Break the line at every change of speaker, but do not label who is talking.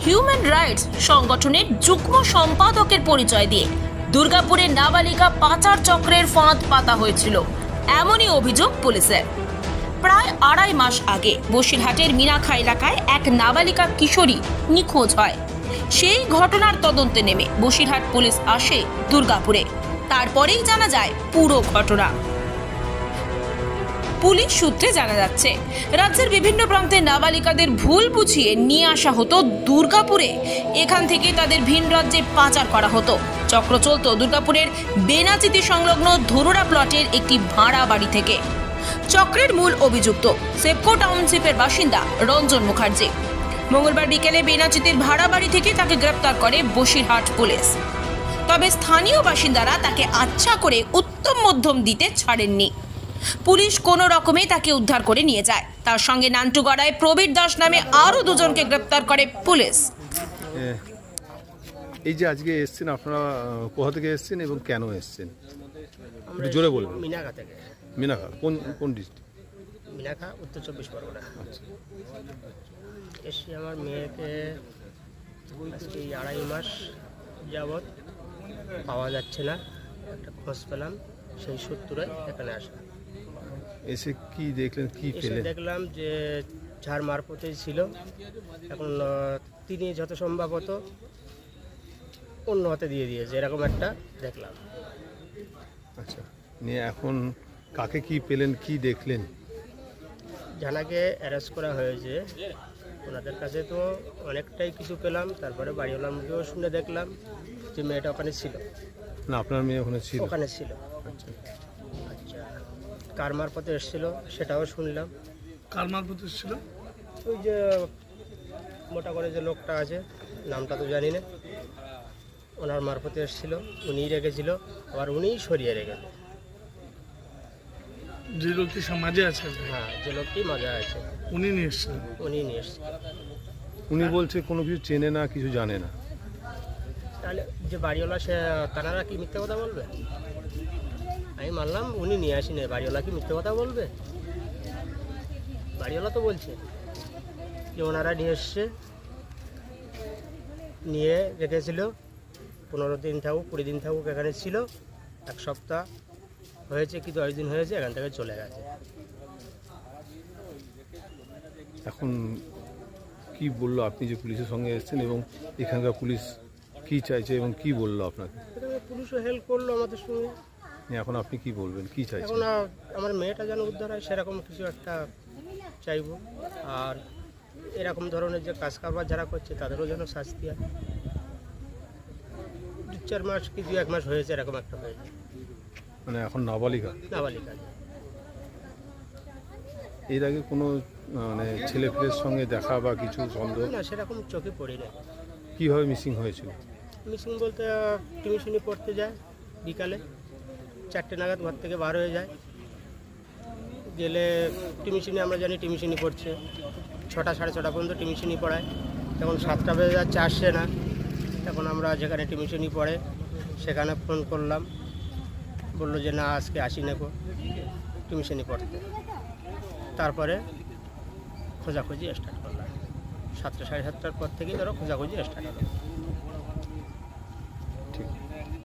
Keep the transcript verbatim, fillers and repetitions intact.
Human rights সংগঠনের যুগ্ম সম্পাদকের পরিচয় দিয়ে দুর্গাপুরে নাবালিকা পাচার চক্রের ফাঁদ পাতা হয়েছিল, এমনই অভিযোগ পুলিশের। প্রায় আড়াই মাস আগে বসিরহাটের মিনাখা এলাকায় এক নাবালিকা কিশোরী নিখোঁজ হয়। সেই ঘটনার তদন্তে নেমে বসিরহাট পুলিশ আসে দুর্গাপুরে। তারপরেই জানা যায় পুরো ঘটনা। পুলিশ সূত্রে জানা যাচ্ছে, রাজ্যের বিভিন্ন প্রান্তে নাবালিকাদের ভুল বুঝিয়ে নিয়ে আসা হতো দুর্গাপুরে। এখান থেকে তাদের ভিন রাজ্যে পাচার করা হতো। চক্র চলত দুর্গাপুরের বেনাচিতি সংলগ্ন ধরুরা প্লটের একটি ভাড়া বাড়ি থেকে। চক্রের মূল অভিযুক্ত সেপকো টাউনশিপের বাসিন্দা রঞ্জন মুখার্জি। মঙ্গলবার বিকেলে বেনাচিতির ভাড়া বাড়ি থেকে তাকে গ্রেপ্তার করে বসিরহাট পুলিশ। তবে স্থানীয় বাসিন্দারা তাকে আচ্ছা করে উত্তম মধ্যম দিতে ছাড়েননি। পুলিশ কোনো রকমে তাকে উদ্ধার করে নিয়ে যায়। তার সঙ্গে নান্টুগড়ায় প্রবীর দাস নামে আরও দুজনকে গ্রেপ্তার করে পুলিশ।
এই যে আজকে এসছেন, আপনারা কোথা থেকে এসছেন এবং কেন এসছেন একটু জোরে বলবেন।
মিনাখা থেকে।
মিনাখা কোন কোন ডিস্ট্রিক্ট?
মিনাখা উত্তর চব্বিশ পরগনা।
আচ্ছা,
এসে আমার মেয়েকে আজকে এই আড়াই মাস যাবৎ পাওয়া যাচ্ছে না, একটা খোঁজ পেলাম, সেই সূত্রে এখানে আসা।
এসে কি দেখলেন, কি
এসে
পেলেন?
দেখলাম যে যার মারফতেই ছিল, এখন আহ, তিনি যত সম্ভবত অন্য হাতে দিয়ে দিয়েছে, এরকম একটা দেখলাম।
আচ্ছা, নিয়ে এখন কাকে কি পেলেন, কি দেখলেন?
জানাকে অ্যারেস্ট করা হয়েছে, ওনাদের কাছে তো অনেকটাই কিছু পেলাম। তারপরে বাড়িওয়ালার মুখেও শুনে দেখলাম যে মেয়েটা ওখানে ছিল।
না, আপনার মেয়ে ওখানে ছিল?
ওখানে ছিল।
আচ্ছা,
আচ্ছা, কার মারফতে এসেছিল সেটাও শুনলাম।
কার মারফত ছিল?
ওই যে মোটা করে যে লোকটা আছে, নামটা তো জানি না, ওনার মারফতে এসেছিল, উনিই রেখেছিল, আবার উনিই সরিয়ে রেখেছে।
যে লোকটি সমাজে আছে,
হ্যাঁ, যে লোকটি মজা আছে
উনি নিয়ে এসছেন।
উনি নিয়ে এসছে।
উনি বলছে কোনো কিছু চেনে না, কিছু জানে না।
তাহলে যে বাড়িওয়ালা, সে তারা কি মিথ্যে কথা বলবে? আমি মানলাম উনি নিয়ে আসিনি, বাড়িওয়ালা কি মিথ্যে কথা বলবে? বাড়িওয়ালা তো বলছে যে ওনারা নিয়ে এসছে, নিয়ে রেখেছিল, পনেরো দিন থাকুক, কুড়ি দিন থাকুক, এখানে ছিল, এক সপ্তাহ হয়েছে কি দশ দিন হয়েছে, এখান থেকে চলে গেছে।
এখন কি বললো, আপনি যে পুলিশের সঙ্গে এসেছেন এবং এখানকার পুলিশ কি চাইছে এবং কি বললো আপনাকে?
পুলিশও হেল্প করলো আমাদের সঙ্গে।
এখন আপনি কি বলবেন, কি চাইছেন?
এখন আর আমার মেয়েটা যেন উদ্ধার হয়, সেরকম কিছু একটা চাইবো। আর এরকম ধরনের যে কাজ কারবার যারা করছে তাদেরও যেন শাস্তি হয়। দু চার মাস কি দু এক মাস হয়েছে, এরকম একটা হয়েছে।
মানে এখন নাবালিকা?
নাবালিকা।
এর আগে কোনো মানে ছেলে ফেলের সঙ্গে দেখা বা কিছু সন্দেহ?
না, সেরকম চোখে পড়ি না।
কীভাবে মিসিং হয়েছিল?
মিসিং বলতে টিউশনি পড়তে যায়, বিকালে চারটে নাগাদ ঘর থেকে বার হয়ে যায়, গেলে টিউশনি, আমরা জানি টিউশনি পড়ছে, ছটা সাড়ে ছটা পর্যন্ত টিউশনি পড়ায়। তখন সাতটা বেজে যাচ্ছে, আসছে না। তখন আমরা যেখানে টিউশনি পড়ে সেখানে ফোন করলাম, বললো যে না, আজকে আসি নেবো টিউশনি পড়তে। তারপরে খোঁজাখুঁজি স্টার্ট করলাম, সাতটা সাড়ে সাতটার পর থেকেই ধরো খোঁজাখুঁজি স্টার্ট হলো।